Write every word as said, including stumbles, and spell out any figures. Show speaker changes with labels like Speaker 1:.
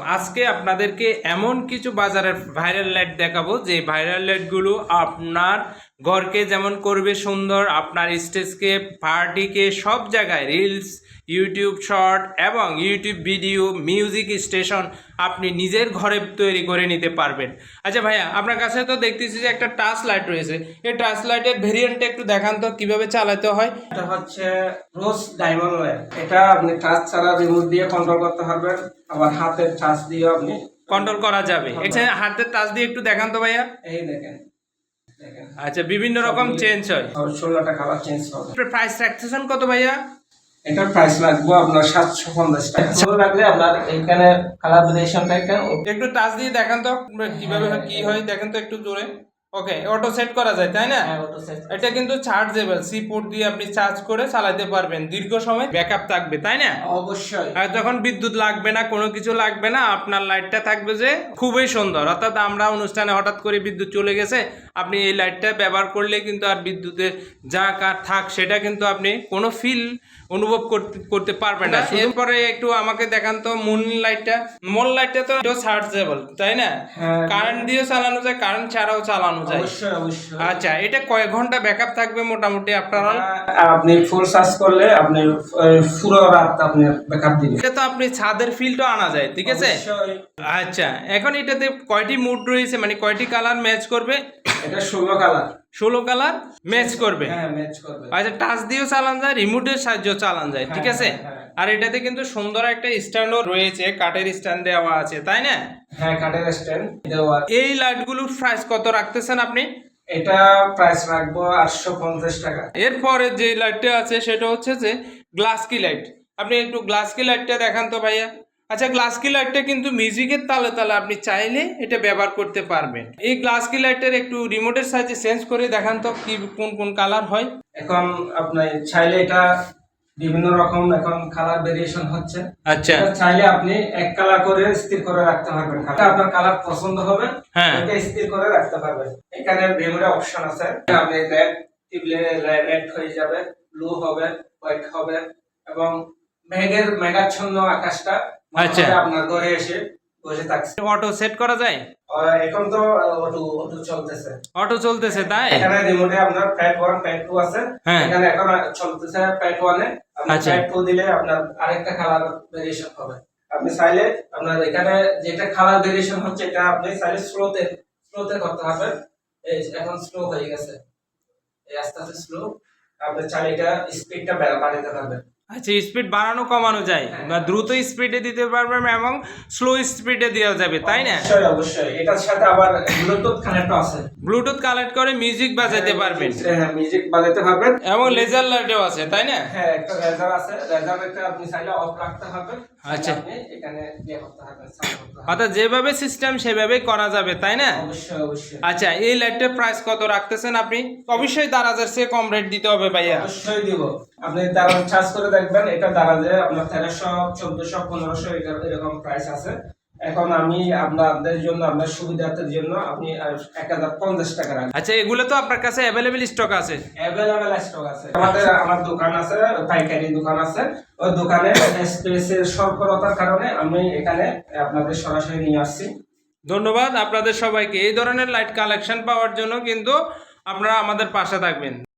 Speaker 1: আজকে আপনাদেরকে এমন কিছু বাজারের ভাইরাল লাইট দেখাবো যে ভাইরাল লাইটগুলো আপনার ঘরকে যেমন করবে সুন্দর, আপনার স্টেজকে, পার্টিকে, সব জায়গায় রিলস, ইউটিউব শর্ট এবং ইউটিউব ভিডিও, মিউজিক স্টেশন আপনি নিজের ঘরে তৈরি করে নিতে পারবেন। আচ্ছা ভাইয়া, আপনার কাছে তো দেখতেছি যে একটা টাচ লাইট রয়েছে, এই টাচ লাইটের ভেরিয়েন্টটা একটু দেখান তো কিভাবে চালাতে হয়।
Speaker 2: এটা হচ্ছে রোজ ডায়মন্ড লাইট। এটা আপনি টাচ ছাড়া রিমোট দিয়ে কন্ট্রোল করতে পারবেন, আবার হাতের টাচ দিয়ে আপনি
Speaker 1: কন্ট্রোল করা যাবে। আচ্ছা, হাতের টাচ দিয়ে একটু দেখান তো ভাইয়া।
Speaker 2: এই দেখেন দেখেন
Speaker 1: আচ্ছা, বিভিন্ন রকম চেঞ্জ হয়,
Speaker 2: ষোলোটা কালার চেঞ্জ হবে।
Speaker 1: প্রাইস রাখতেছেন কত ভাইয়া?
Speaker 2: এটার প্রাইস লাগবে আপনার সাতশো পঞ্চাশ টাকা। ভালো লাগলে আপনার এখানে কালার ভেরিয়েশনটা
Speaker 1: একটু টাচ দিয়ে দেখান তো কিভাবে হয়, কি হয় দেখেন তো একটু জোরে। ওকে, অটো সেট করা যায় তাই না? এটা কিন্তু চার্জেবল, সি পোর্ট দিয়ে আপনি চার্জ করে চালাতে পারবেন, দীর্ঘ সময় ব্যাকআপ থাকবে তাই না?
Speaker 2: অবশ্যই।
Speaker 1: আর যখন বিদ্যুৎ লাগবে না, কোনো কিছু লাগবে না, আপনার লাইটটা থাকবে যে খুবই সুন্দর। অর্থাৎ আমরা অনুষ্ঠানে হঠাৎ করে বিদ্যুৎ চলে গেছে, আপনি এই লাইটটা ব্যবহার করলে কিন্তু আর বিদ্যুতের যা কার থাক সেটা কিন্তু আপনি কোনো ফিল অনুভব করতে করতে পারবেন না। এরপরে একটু আমাকে দেখান তো মুন লাইটটা। মুন লাইটটা তো চার্জেবল তাই না? কারেন্ট দিয়েও চালানো যায়, কারেন্ট ছাড়াও চালানো যায়।
Speaker 2: অবশ্যই অবশ্যই।
Speaker 1: আচ্ছা, এটা কয় ঘন্টা ব্যাকআপ থাকবে মোটামুটি আপনার?
Speaker 2: আপনি ফুল চার্জ করলে আপনি পুরো রাত আপনি ব্যাকআপ দিবেন।
Speaker 1: এটা তো আপনি ছাদের ফিলটা আনা যায়, ঠিক আছে? আচ্ছা, এখন এটাতে কয়টি মুড রয়েছে, মানে কয়টি কালার ম্যাচ করবে?
Speaker 2: এটা ষোলো কালার।
Speaker 1: ষোলো কালার ম্যাচ করবে।
Speaker 2: হ্যাঁ, ম্যাচ করবে।
Speaker 1: আচ্ছা, টাচ দিয়েও চালান যায়, রিমোটের সাহায্যে চালান যায়, ঠিক আছে? আর এটাতে কিন্তু সুন্দর একটা স্ট্যান্ডও রয়েছে, কাঠের স্ট্যান্ড দেওয়া আছে তাই না?
Speaker 2: হ্যাঁ, কাঠের স্ট্যান্ড দেওয়া।
Speaker 1: এই লাইটগুলোর প্রাইস কত রাখতেছেন আপনি?
Speaker 2: এটা প্রাইস রাখবো আটশো পঞ্চাশ টাকা।
Speaker 1: এরপরে যে লাইটটা আছে সেটা হচ্ছে যে গ্লাস কি লাইট। আপনি একটু গ্লাস কি লাইটটা দেখান তো ভাইয়া। আচ্ছা, গ্লাস কি লাইটটা কিন্তু মিউজিকের তালে তালে আপনি চাইলে এটা ব্যবহার করতে পারবেন। এই গ্লাস কি লাইটের একটু রিমোটের সাহায্যে চেঞ্জ করে দেখান তো কি কোন কোন কালার হয়।
Speaker 2: এখন আপনি চাইলে এটা বিভিন্ন রকম এখন কালার ভেরিয়েশন হচ্ছে।
Speaker 1: আচ্ছা,
Speaker 2: চাইলে আপনি এক কালার করে স্থির করে রাখতে পারবেন। আপনার কালার পছন্দ হবে,
Speaker 1: হ্যাঁ,
Speaker 2: এটা স্থির করে রাখতে পারবেন। এখানে মেমোরি অপশন আছে, আপনি রেড টিপলে রেড হয়ে যাবে, ব্লু হবে, হোয়াইট হবে এবং মেঘের মেঘাচ্ছন্ন আকাশটা
Speaker 1: আচ্ছা
Speaker 2: আপনার ঘরে এসে বসে থাকছে।
Speaker 1: অটো সেট করা যায়?
Speaker 2: এখন তো অটো অটো চলতেছে।
Speaker 1: অটো চলতেছে তাই?
Speaker 2: এখানে রিমোটে আপনার প্যাড ওয়ান প্যাড টু আছে।
Speaker 1: হ্যাঁ,
Speaker 2: এখানে এখন চলতেছে প্যাড ওয়ানে। আপনি
Speaker 1: আচ্ছা,
Speaker 2: প্যাড টু দিলে আপনার আরেকটা কালার ভেরিয়েশন হবে। আপনি চাইলে আপনার এখানে যেটা কালার ভেরিয়েশন হচ্ছে এটা আপনি চাইলে স্লোতে স্লোতে করতে হবে। এই এখন স্লো হয়ে গেছে, এই আস্তে আস্তে স্লো। আপনি চাইলে এটা স্পিডটা বাড়াতে পারবেন।
Speaker 1: আচ্ছা, স্পিড বাড়ানো কমানো যায়, বা দ্রুত স্পিডে দিতে পারবেন এবং স্লো স্পিডে দেওয়া যাবে তাই না?
Speaker 2: অবশ্যই অবশ্যই। এটার সাথে আবার ব্লুটুথ কানেক্ট আছে।
Speaker 1: ব্লুটুথ কানেক্ট করে মিউজিক বাজাতে পারবেন।
Speaker 2: হ্যাঁ, মিউজিক বাজাতে পারবেন
Speaker 1: এবং লেজার লাইটও আছে তাই না?
Speaker 2: হ্যাঁ, একটা লেজার আছে। লেজারটা আপনি চাইলে অফ রাখতে হবে।
Speaker 1: আচ্ছা,
Speaker 2: আপনি এখানে ইয়ে করতে হবে, সাউন্ড করতে হবে।
Speaker 1: অর্থাৎ যেভাবে সিস্টেম সেভাবেই করা যাবে তাই না?
Speaker 2: অবশ্যই অবশ্যই।
Speaker 1: আচ্ছা, এই লাইটের প্রাইস কত রাখতেছেন আপনি? অবশ্যই দারাজের চেয়ে কম রেট দিতে হবে ভাইয়া।
Speaker 2: অবশ্যই দিব। আপনি দারাজ চার্জ করে দেখবেন, এটা দারাজে আপনার তেরোশো, চোদ্দশো, পনেরোশো এরকম প্রাইস আছে। এখন আমি আপনাদের জন্য, আপনার সুবিধার্থের জন্য আপনি এক হাজার পঞ্চাশ টাকা রাখবেন।
Speaker 1: আচ্ছা, এগুলো তো আপনার কাছে অ্যাভেলেবেল স্টক আছে?
Speaker 2: অ্যাভেলেবেল স্টক আছে আমাদের। আমার দোকান আছে, পাইকারি দোকান আছে। ওই দোকানে স্পেসের স্বল্পতার কারণে আমি এখানে আপনাদের সরাসরি নিয়ে আসছি।
Speaker 1: ধন্যবাদ আপনাদের সবাইকে। এই ধরনের লাইট কালেকশন পাওয়ার জন্য কিন্তু আপনারা আমাদের পাশে থাকবেন।